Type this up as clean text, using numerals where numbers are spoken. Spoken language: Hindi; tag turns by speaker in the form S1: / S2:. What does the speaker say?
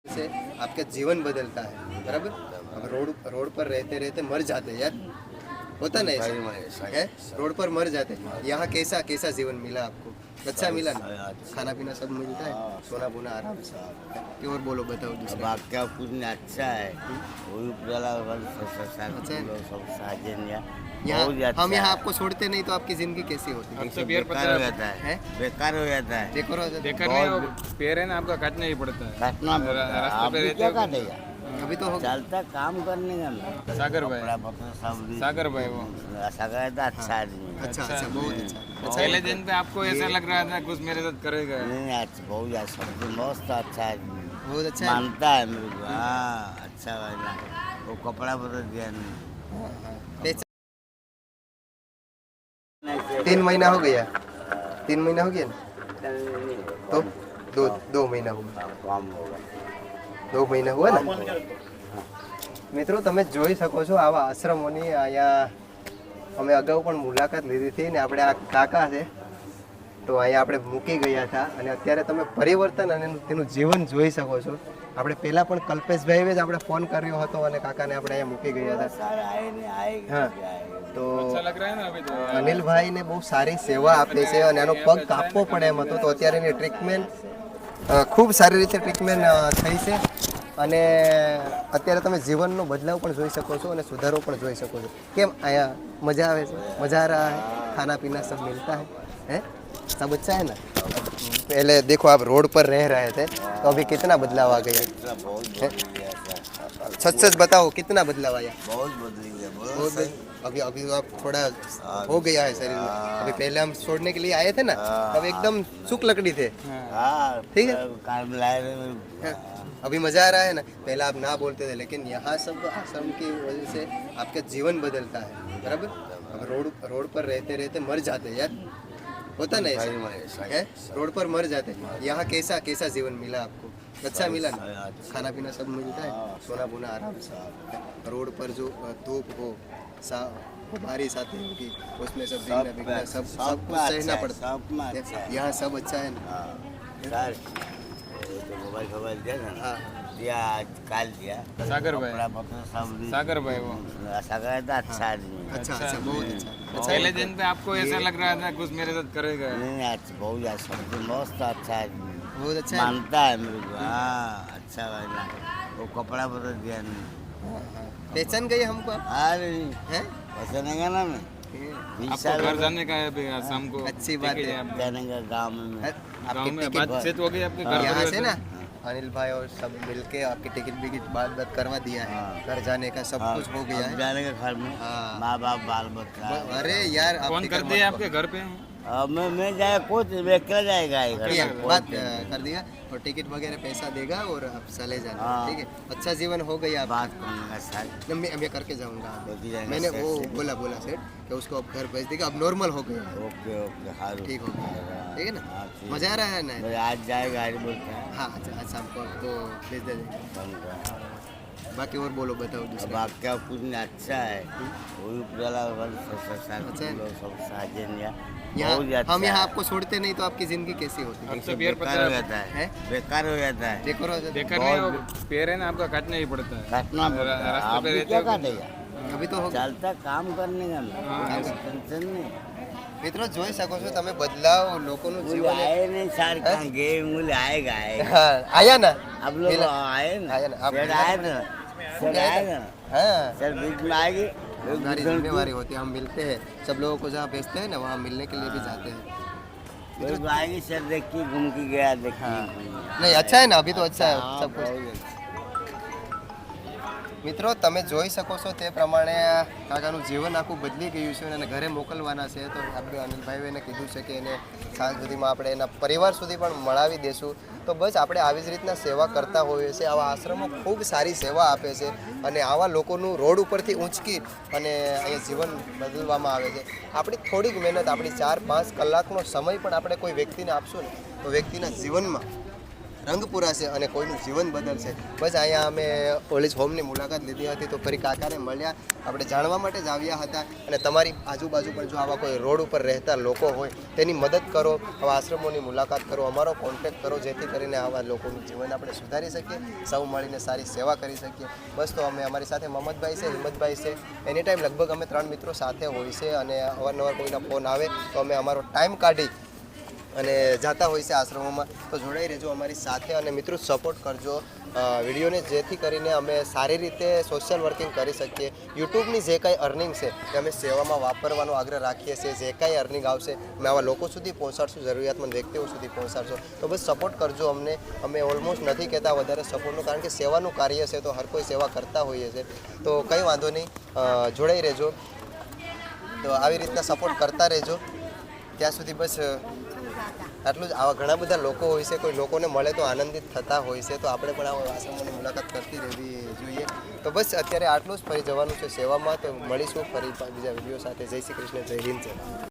S1: से आपका जीवन बदलता है। बराबर। अब रोड पर रहते रहते मर जाते यार, होता नहीं ऐसा है, रोड पर मर जाते। यहाँ कैसा कैसा जीवन मिला आपको? अच्छा मिला ना, खाना पीना सब मिलता है, सोना बोना आराम से। कि और बोलो, बताओ दूसरा।
S2: क्या कुछ अच्छा है, वही
S1: अच्छा है।
S2: सब साजन या
S1: यहाँ हम यहाँ आपको छोड़ते नहीं तो आपकी जिंदगी कैसी होती है?
S2: तो बेकार हो जाता है, बेकार हो जाता है।
S1: देखो
S3: बेकार नहीं, पेड़ है ना आपका, काटना ही पड़ता है।
S2: काटना
S3: रास्ते पे रहते
S2: क्या
S3: हो?
S2: काटेगा,
S1: अभी तो
S2: चलता काम करने का ना।
S3: सागर भाई,
S2: सब
S3: सागर भाई वो
S2: सागर था अच्छा आदमी।
S1: अच्छा अच्छा, बहुत अच्छा।
S3: पहले दिन पे आपको ऐसा लग रहा था कुछ मेरे साथ करेगा।
S2: नहीं अच्छा, बहुत अच्छा, सब मस्त अच्छा आदमी,
S1: बहुत अच्छा है।
S2: मानता है मेरे को। हाँ अच्छा वाला, वो कपड़ा बदल दिया नहीं।
S1: पहचान- 3 महीना हो गया, 3 महीना हो गया ना, तो दो महीना हो गया,
S2: काम होगा
S1: 2 મહિના हुआ ને મિત્રો, તમે જોઈ શકો છો આવા આશ્રમોની અહીંયા અમે અગાઉ પણ મુલાકાત લીધી હતી ને આપણે આ કાકા છે તો અહીંયા આપણે મૂકી ગયા હતા અને અત્યારે તમે પરિવર્તન અને તેનું જીવન જોઈ શકો છો। આપણે પહેલા પણ કલ્પેશભાઈએ જ આપણે ફોન કર્યો હતો અને કાકાને આપણે અહીંયા મૂકી ગયા હતા।
S2: सारा आए नहीं आएगा
S1: हाँ તો
S3: अच्छा लग रहा है ना अभी तो।
S1: અનિલભાઈને બહુ સારી સેવા આપે છે અને એનો પગ કાપવો પડે એમ હતો તો અત્યારે એની ટ્રીટમેન્ટ ખૂબ સારી રીતે ટ્રીટમેન્ટ થઈ છે અને અત્યારે તમે જીવનનો બદલાવ પણ જોઈ શકો છો અને સુધારો પણ જોઈ શકો છો। કેમ અહીંયા મજા આવે છે? મજા आ रहा है, खाना पीना सब मिलता है, हैं? सब अच्छा है ना? पहले देखो आप रोड पर रह रहे थे तो अभी कितना बदलाव आ गया? सच सच बताओ, कितना बदलाव आया?
S2: बहुत बदली गया,
S1: बहुत
S2: बहुत सही।
S1: अभी अभी तो आप थोड़ा हो गया है शरीर में। अभी पहले हम छोड़ने के लिए आए थे ना, तब एकदम सुख लकड़ी थे।
S2: हाँ
S1: ठीक है।
S2: काम लाए
S1: हाँ, अभी मजा आ रहा है ना? पहले आप ना बोलते थे, लेकिन यहाँ सब आश्रम की वजह से आपका जीवन बदलता है। बराबर। अब रोड पर रहते रहते मर जाते यार, होता नहीं ऐसा है, रोड पर मर जाते। यहाँ कैसा कैसा जीवन मिला आपको? अच्छा मिला ना, खाना पीना सब मिलता है, सोना बोना आराम से। रोड पर जो धूप हो, बारिश आती होगी, उसमें सब भीगना भीगना सब कुछ सहना पड़ता है। यहाँ सब अच्छा है ना?
S2: मोबाइल फोबाइल दिया था ना,
S1: हाँ
S2: दिया आज काल दिया।
S3: सागर भाई,
S2: कपड़ा पत्र सब
S3: सागर भाई वो।
S2: सागर था अच्छा आदमी।
S1: अच्छा अच्छा, बहुत अच्छा।
S3: पहले दिन पे आपको ऐसा लग रहा था कुछ मेरे साथ करेगा।
S2: नहीं अच्छा, बहुत अच्छा, सब मस्त अच्छा आदमी,
S1: बहुत अच्छा है।
S2: मानता है मेरे को। हाँ अच्छा वाला, वो कपड़ा बदल दिया नहीं।
S1: पहचान गए हमको आप?
S2: अरे
S1: हैं?
S2: पहचानेगा ना मैं, 20
S3: आपको
S2: साल
S3: घर जाने का है अभी शाम को।
S1: अच्छी बात है।
S2: जाने का गाँव में।
S3: गाँव में
S1: टिकट
S3: बातचीत हो गई आपके घर
S1: यहाँ
S3: परिवार
S1: से ना अनिल भाई और सब मिलके आपकी टिकट विकेट बात करवा दिया है। घर जाने का सब कुछ हो गया है।
S2: जाने का घर में
S1: हाँ।
S2: माँ बाप बाल बच्चा।
S1: अरे यार, आप
S3: फोन
S1: फिक्र
S3: कर
S1: मत
S3: दिया
S1: करो।
S3: आपके घर पे।
S2: अब मैं जाए कुछ क्या जाएगा ये घर
S1: ठीक है,
S2: में?
S1: बात कर दिया और टिकट वगैरह पैसा देगा और आप चले जाना।
S2: हाँ।
S1: ठीक है, अच्छा जीवन हो गया।
S2: बात करने का साथ
S1: मैं करके जाऊंगा।
S2: लेके जाएंगे
S1: मैंने
S2: सेठ
S1: वो
S2: से।
S1: बोला सेठ कि उसको अब घर भेज देगा, अब नॉर्मल हो गया।
S2: ओके ओके हारू
S1: ठीक हो गया, ठीक है ना?
S2: हाँ, ठीक।
S1: मजा आ रहा है ना?
S2: मैं आज जाएगा आज बोलते हैं
S1: हाँ अच्छा, आज शाम को तो भेज दे देंगे।
S2: बंद कर।
S1: बाकी और बोलो, बताओ
S2: अब
S1: दूसरा।
S2: आप क्या कुछ नहीं अच्छा है, वही उपजाला
S1: अच्छा है।
S2: सब साजन या
S1: यहाँ
S2: बहुत अच्छा
S1: हम यहाँ
S2: है।
S1: आपको छोड़ते नहीं तो आपकी जिंदगी कैसी होती है?
S3: अब तो पेड़
S2: बेकार हो जाता
S1: हैं?
S2: है, बेकार हो जाता है।
S1: देखो
S3: बेकार नहीं, पेड़ है ना आपका, काटना ही पड़ता है।
S2: काटना पड़ता है,
S3: रास्ते
S2: आप
S3: पे
S2: भी
S3: रहते
S2: क्या
S3: हो?
S2: काटेगा,
S1: अभी तो हो
S2: चलता काम करने का
S3: हाँ,
S2: ना, टेंशन नहीं।
S1: મિત્રો જોઈ શકો છો તમે બદલાવ લોકોનું
S2: मुझे
S1: જીવન
S2: आए नहीं सार कहाँ गए, मुझे आएगा आएगा।
S1: હા આયા ના
S2: आप लोग
S1: मिला।
S2: आए ना,
S1: आए ना, आप
S2: सर
S1: मिला।
S2: आए ना, सर आए ना,
S1: हाँ,
S2: सर बीच में आएगी।
S1: हमारी जिम्मेवारी होती है, हम मिलते हैं सब लोगों को, जहाँ भेजते हैं ना वहाँ मिलने के लिए भी जाते हैं।
S2: फिर आएगी सर, देखिए घूम के गया देखिए।
S1: नहीं अच्छा है ना, अभी तो अच्छा है
S2: हाँ,
S1: सब कुछ।
S2: बहुत अच्छा।
S1: મિત્રો તમે જોઈ શકો છો તે પ્રમાણે આ કાકાનું જીવન આખું બદલી ગયું છે અને ઘરે મોકલવાના છે તો આપણે અનિલભાઈએ એને કીધું છે કે એને સાંજ સુધીમાં આપણે એના પરિવાર સુધી પણ મળાવી દેશું। તો બસ આપણે આવી જ રીતના સેવા કરતા હોઈએ છીએ। આવા આશ્રમો ખૂબ સારી સેવા આપે છે અને આવા લોકોનું રોડ ઉપરથી ઊંચકી અને અહીંયા જીવન બદલવામાં આવે છે। આપણી થોડીક મહેનત, આપણી 4-5 કલાકનો સમય પણ આપણે કોઈ વ્યક્તિને આપશું ને તો વ્યક્તિના જીવનમાં રંગ પૂરાશે અને કોઈનું જીવન બદલશે. બસ અહીંયા અમે ઓલ્ડ હોમની મુલાકાત લીધી હતી તો ફરી કાકાને મળ્યા, આપણે જાણવા માટે જ આવ્યા હતા. અને તમારી આજુબાજુ પર જો આવા કોઈ રોડ ઉપર રહેતા લોકો હોય તેની મદદ કરો, આવા આશ્રમોની મુલાકાત કરો, અમારો કોન્ટેક્ટ કરો, જેથી કરીને આવા લોકોનું જીવન આપણે સુધારી શકીએ, સૌ મળીને સારી સેવા કરી શકીએ. બસ તો અમે અમારી સાથે મહમ્મદભાઈ છે, હિંમતભાઈ છે, એની ટાઈમ લગભગ અમે 3 મિત્રો સાથે હોય છે અને અવારનવાર કોઈના ફોન આવે તો અમે અમારો ટાઈમ કાઢી અને જાતા હોય છે આશ્રમોમાં. તો જોડાઈ રહેજો અમારી સાથે અને મિત્રો સપોર્ટ કરજો વિડીયોને, જેથી કરીને અમે સારી રીતે સોશિયલ વર્કિંગ કરી શકીએ. યુટ્યુબની જે કાંઈ અર્નિંગ છે એ અમે સેવામાં વાપરવાનો આગ્રહ રાખીએ છીએ. જે કાંઈ અર્નિંગ આવશે અમે આવા લોકો સુધી પહોંચાડશું, જરૂરિયાતમંદ વ્યક્તિઓ સુધી પહોંચાડશું. તો બસ સપોર્ટ કરજો અમને. અમે ઓલમોસ્ટ નથી કહેતા વધારે સપોર્ટનું, કારણ કે સેવાનું કાર્ય છે તો હર કોઈ સેવા કરતા હોઈએ છે. તો કંઈ વાંધો નહીં, જોડાઈ રહેજો. તો આવી રીતના સપોર્ટ કરતા રહેજો. ત્યાં સુધી બસ આટલું જ. આવા ઘણા બધા લોકો હોય છે, કોઈ લોકોને મળે તો આનંદિત થતા હોય છે, તો આપણે પણ આવા આશ્રમોની મુલાકાત કરતી રહેવી જોઈએ. તો બસ અત્યારે આટલું જ. ફરી જવાનું છે સેવામાં, તો મળીશું ફરી બીજા વિડીયો સાથે. જય શ્રી કૃષ્ણ, જય હિન્દ.